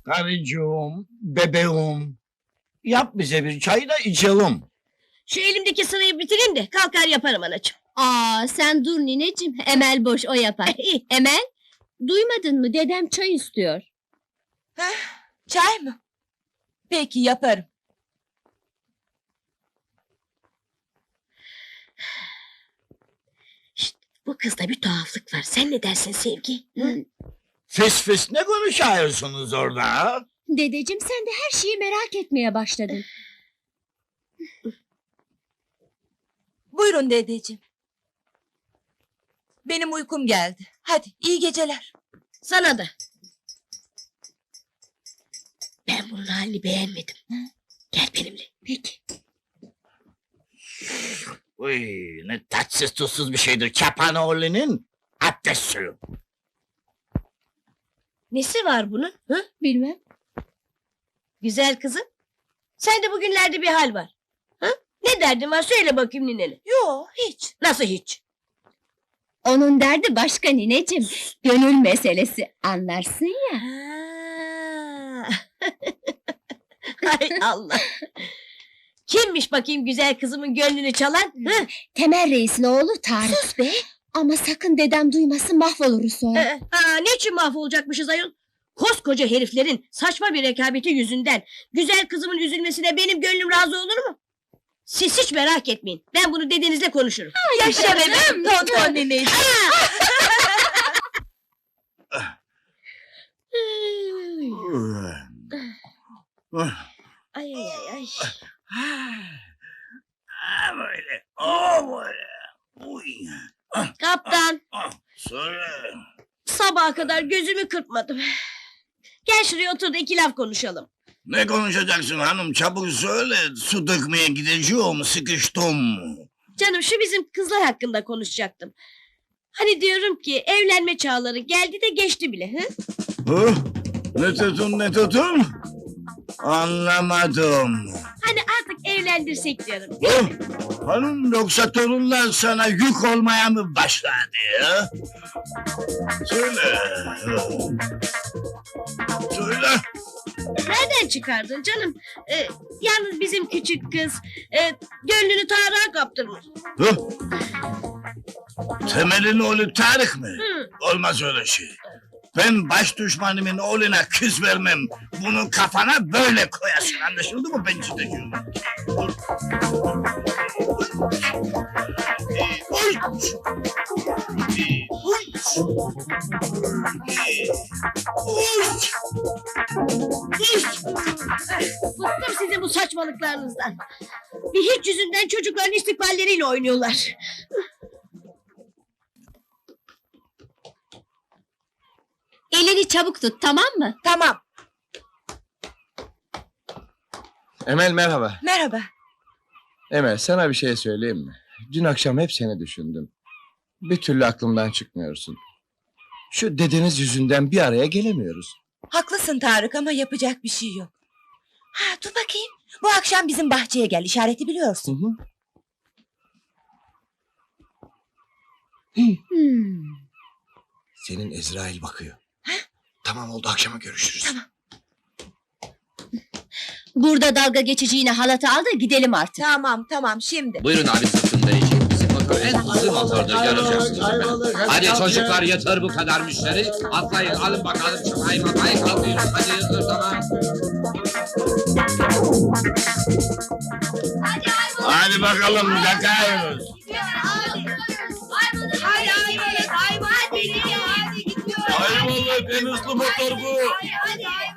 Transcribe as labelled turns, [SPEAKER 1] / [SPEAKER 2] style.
[SPEAKER 1] Karıcığım, bebeğim. Yap bize bir çay da içelim.
[SPEAKER 2] Şu elimdeki sırayı bitireyim de kalkar yaparım anacığım.
[SPEAKER 3] Aa, sen dur nineciğim. Emel boş, o yapar. Emel, duymadın mı? Dedem çay istiyor.
[SPEAKER 4] Çay mı? Peki yaparım.
[SPEAKER 2] Bu kızda bir tuhaflık var. Sen ne dersin Sevgi?
[SPEAKER 1] Fıs fıs ne konuşuyorsunuz orada? Ha?
[SPEAKER 3] Dedeciğim, sen de her şeyi merak etmeye başladın.
[SPEAKER 4] Buyurun dedeciğim. Benim uykum geldi. Hadi iyi geceler.
[SPEAKER 2] Sana da. Ben bunun halini beğenmedim. Gel benimle.
[SPEAKER 3] Peki.
[SPEAKER 1] Uy, ne tatsız tuzsuz bir şeydir Çapanoğlu'nun abdest suyu.
[SPEAKER 2] Nesi var bunun? Hı?
[SPEAKER 3] Bilmem.
[SPEAKER 2] Güzel kızım. Sende bugünlerde bir hal var. Hı? Ne derdin var söyle bakayım ninene.
[SPEAKER 4] Yo hiç.
[SPEAKER 2] Nasıl hiç?
[SPEAKER 3] Onun derdi başka nineciğim. Gönül meselesi. Anlarsın ya.
[SPEAKER 2] Ha. Hay Allah. Kimmiş bakayım güzel kızımın gönlünü çalan? Hı?
[SPEAKER 3] Temel Reis'in oğlu Tarık.
[SPEAKER 4] Sus be.
[SPEAKER 3] Ama sakın dedem duymasın, mahvoluruz sonra.
[SPEAKER 2] Niçin mahvolacakmışız ayol? Koskoca heriflerin saçma bir rekabeti yüzünden güzel kızımın üzülmesine benim gönlüm razı olur mu? Siz hiç merak etmeyin. Ben bunu dedenizle konuşurum.
[SPEAKER 4] Yaşa bebeğim. Tonton neneyim.
[SPEAKER 2] Ay ay ay ay.
[SPEAKER 1] Ha böyle, o böyle. Uy.
[SPEAKER 2] Kaptan,
[SPEAKER 1] Söyle.
[SPEAKER 2] sabaha kadar gözümü kırpmadım. Gel şuraya otur da iki laf konuşalım.
[SPEAKER 1] Ne konuşacaksın hanım çabuk söyle. Su dökmeye gideceğim sıkıştım.
[SPEAKER 2] Canım şu bizim kızlar hakkında konuşacaktım. Hani diyorum ki evlenme çağları geldi de geçti bile. Hı?
[SPEAKER 1] Hı? Ne tutun ne tutun? Anlamadım.
[SPEAKER 2] Hani artık evlendirsek diyorum.
[SPEAKER 1] Hı? Hanım yoksa torunlar sana yük olmaya mı başladı ya? Söyle. Söyle.
[SPEAKER 2] Nereden çıkardın canım? Yalnız bizim küçük kız gönlünü Tarık'a kaptırmış.
[SPEAKER 1] Hı? Temel'in oğlu Tarık mı?
[SPEAKER 2] Hı.
[SPEAKER 1] Olmaz öyle şey. Ben baş düşmanımın oğluna kız vermem. Bunu kafana böyle koyasın. Anlaşıldı mı ben size diyorum.
[SPEAKER 2] Bıktım sizin bu saçmalıklarınızdan. Bir hiç yüzünden çocukların istikballeriyle oynuyorlar.
[SPEAKER 3] Elini çabuk tut, tamam mı?
[SPEAKER 4] Tamam.
[SPEAKER 5] Emel merhaba.
[SPEAKER 4] Merhaba.
[SPEAKER 5] Emel sana bir şey söyleyeyim mi? Dün akşam hep seni düşündüm. Bir türlü aklımdan çıkmıyorsun. Şu dedeniz yüzünden bir araya gelemiyoruz.
[SPEAKER 4] Haklısın Tarık ama yapacak bir şey yok. Ha dur bakayım. Bu akşam bizim bahçeye gel. İşareti biliyorsun.
[SPEAKER 5] Senin Ezrail bakıyor. Tamam oldu akşama görüşürüz.
[SPEAKER 4] Tamam.
[SPEAKER 3] Burada dalga geçeceğine halatı al da gidelim artık.
[SPEAKER 4] Tamam şimdi.
[SPEAKER 6] Buyurun abi sırtındayıcı. Bizim motor en hızlı motordur göreceksiniz efendim. Hadi çocuklar yeter bu kadar müşteri. Atlayın alın bakalım şu hayvanayı kalkıyoruz. Hadi yeter tamam.
[SPEAKER 1] Hadi bakalım yakıyoruz.
[SPEAKER 4] Hayvan.
[SPEAKER 1] Ayvalık en hızlı motor bu.
[SPEAKER 4] Hadi.